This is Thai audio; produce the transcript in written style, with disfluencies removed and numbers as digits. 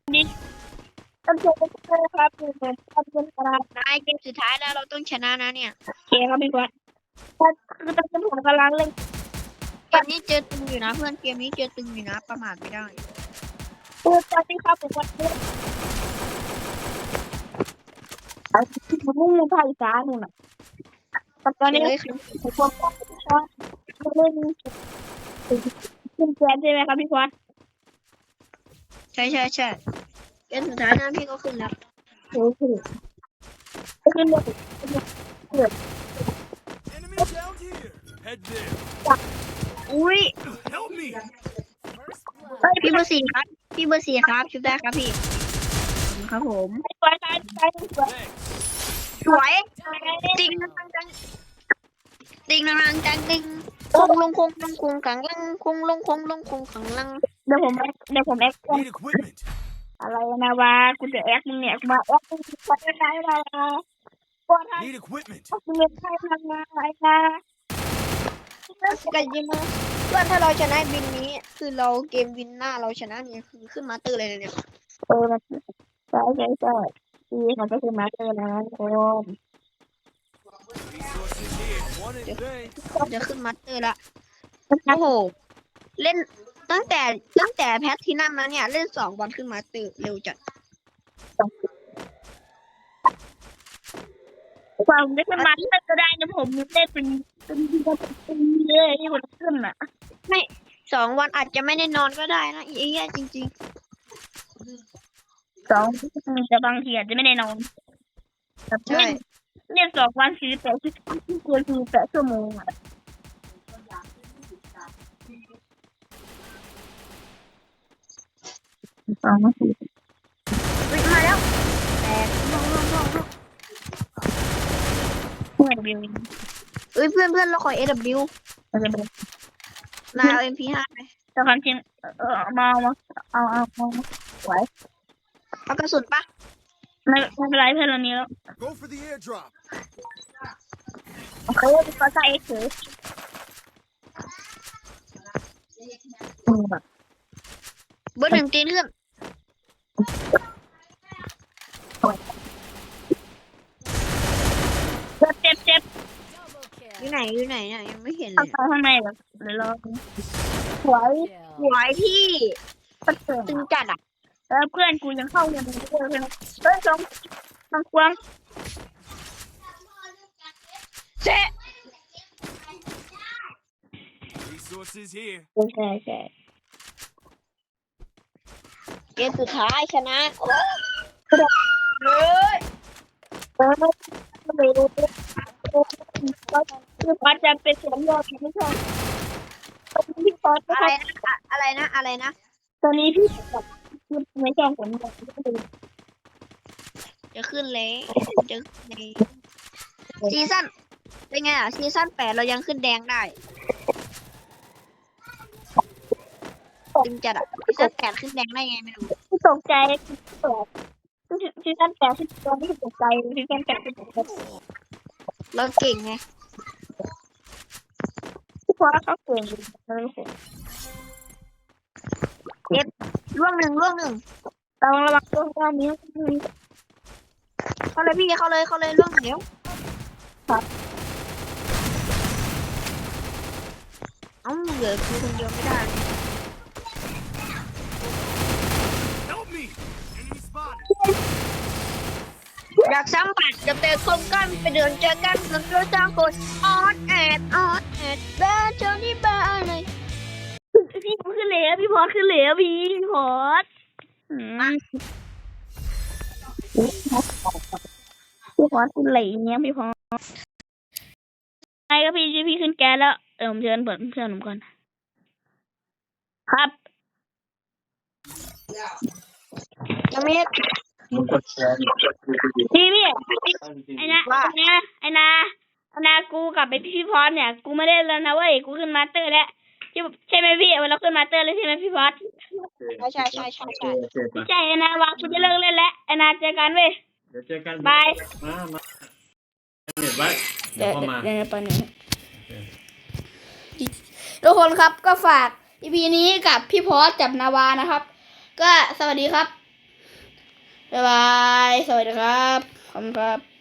นี่ต้องเจอกันครับขอบคุณครับนายเกมสุดท้ายแล้วเราต้องชนะนะเนี่ยโอเคครับพี่บอสคือตอนนี้ผมกำลังเล่นเกมนี้เจอตึงอยู่นะเพื่อนเกมนี้เจอตึงอยู่นะประมาทไม่ได้ตัวตอนนี้ครับผมว่าผมมุ่งภาคอีสานนู่นน่ะแต่ตอนนี้ผมชอบเล่นขึ้นแกนใช่ไหมครับพี่บอสใช่เกมสุดท้ายนะพี่ก็ขึ้นแล้วโอ้โหขึ้นเลย Enemy down here. Head there. อุ้ย Help me. พี่เบอร์สี่ครับพี่เบอร์สี่ครับชุดได้ครับพี่ครับผมสวยตายสวยสวยติงนังจังติงนังจังติงคงลงขังลังคงลงขังลังเดี๋ยวผมแอค Need equipment. อะไรนะวะกูจะแอคมึงเนี่ยมาแอคมึงจะได้ไรนะปวดท้อง Need equipment. มึงเป็นใครทำงานอะไรนะกันยิงมาเพื่อนถ้าเราชนะบินนี้คือเราเกมวินหน้าเราชนะเนี่ยคือขึ้นมาเตอร์เลยเนี่ยใช่ที่มันก็คือมาสเตอร์นะโอ้ Resources here. One in vain. จะขึ้นมาสเตอร์ละโอ้โหเล่นตั้งแต่แพทที่นั่นนะเนี่ยเล่น2 วันขึ้นมาสเตอร์เร็วจัดความได้เป็นมาสเตอร์ก็ได้นะผมได้เป็นเลยที่มันขึ้นอ่ะไม่2 วันอาจจะไม่ได้นอนก็ได้นะอีเหี้ยจริง 2แต่บางทีอาจจะไม่ได้นอนๆใช่เล่น2 วัน48 ชั่วโมงอ่ะ2 นาทีมาแล้วแตกเพื่อนบิวเพื่อนเราขอ AW มันจะเป็นนายเอา MP5 ไปแต่ความจริงมาเอาไหวเอากระสุนปะไม่เป็นไรเพื่อนเรามีแล้ว Go for the airdrop. เขาก็ใส่เฉยแบบเบอร์ 1ตีนขึ้นเจ็บอยู่ไหนเนี่ยยังไม่เห็นเลเข้าย ข้างในแบบเดี๋ยวรอสวยสวยพี่ก็เจ๋งตึงจัดอ่ะแล้วเพื่อนกูยังเข้ายังไม่ได้เลยเฮ้ยต้องกวางเจ๊ Resources here. ใช่เกมสุดท้ายชนะโอ้ยไม่รู้คือพอจะเป็นเสียงยอดไม่ใช่ตอนนี้พี่พอจะอะไรนะตอนนี้พี่ไม่ชอบผลงานจะขึ้นเลยซีซั่นเป็นไงอ่ะซีซั่น8เรายังขึ้นแดงได้ตึงจัดอ่ะซีซั่น8ขึ้นแดงได้ไงไม่รู้ตกใจที่ท่านแปลที่ตอนนี้ตกใจที่ท่านแปลที่ตกใจเราเก่งไงเพราะเขาเก่งร่วงหนึ่งต้องระวังตัวเรานี้เขาเลยพี่เขาเลยร่วงเดี๋ยวเหลือคือคนเดียวไม่ได้ Help me. Enemy spotted. อยากสัมผัสกับแต่คมกันไปเดินเจอกันแล้วก็สร้างคนออดแอดเดินเจอที่บ้านเลยพี่ขึ้นเหลวพี่พอขึ้นเหลวพี่พอขึ้นเหลวเนี้ยพี่พอไงก็พี่ขึ้นแกแล้วผมเชิญเปิดเพื่อนผมก่อนครับยังไม่พี่ไอ้นากูกับพี่พอเนี่ยกูไม่ได้แล้วนะเว้ยกูขึ้นมาสเตอร์แล้วใช่ไหมพี่เราขึ้นมาสเตอร์แล้วใช่ไหมพี่พอใช่ใช่ไอ้นาวางกูจะเลิกเล่นแล้วไอ้นาเจอกันเว้ยเดี๋ยวเจอกันบายมาเน็ตไว้เดี๋ยวเข้ามาทุกคนครับก็ฝาก EP นี้กับพี่พอสกับนาวานะครับก็สวัสดีครับบ๊ายบาย สวัสดีครับ ขอบคุณครับ